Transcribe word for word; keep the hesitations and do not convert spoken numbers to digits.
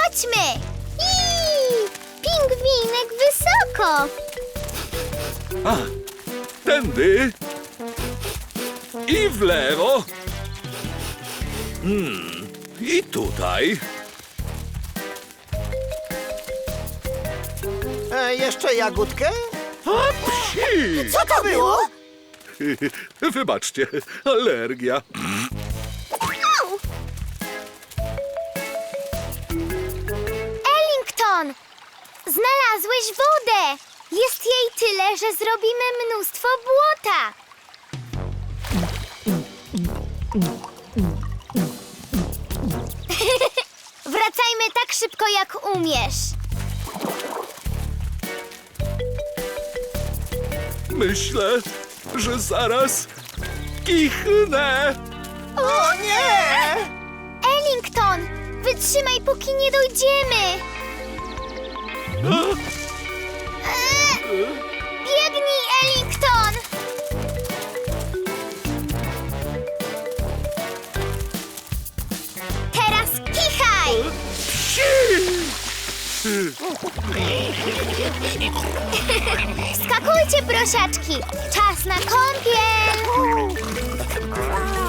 Chodźmy! Iii, pingwinek wysoko! A, tędy. I w lewo. Hmm, i tutaj. E, jeszcze jagódkę? A, psi! Co to było? Wybaczcie, alergia. Au! Ellington! Znalazłeś wodę! Jest jej tyle, że zrobimy mnóstwo błota! Wracajmy tak szybko, jak umiesz! Myślę, że zaraz kichnę. O nie! Ellington! Wytrzymaj, póki nie dojdziemy! Eee, biegnij, Ellington! Teraz kichaj! Skakujcie, prosiaczki! Czas na kąpiel!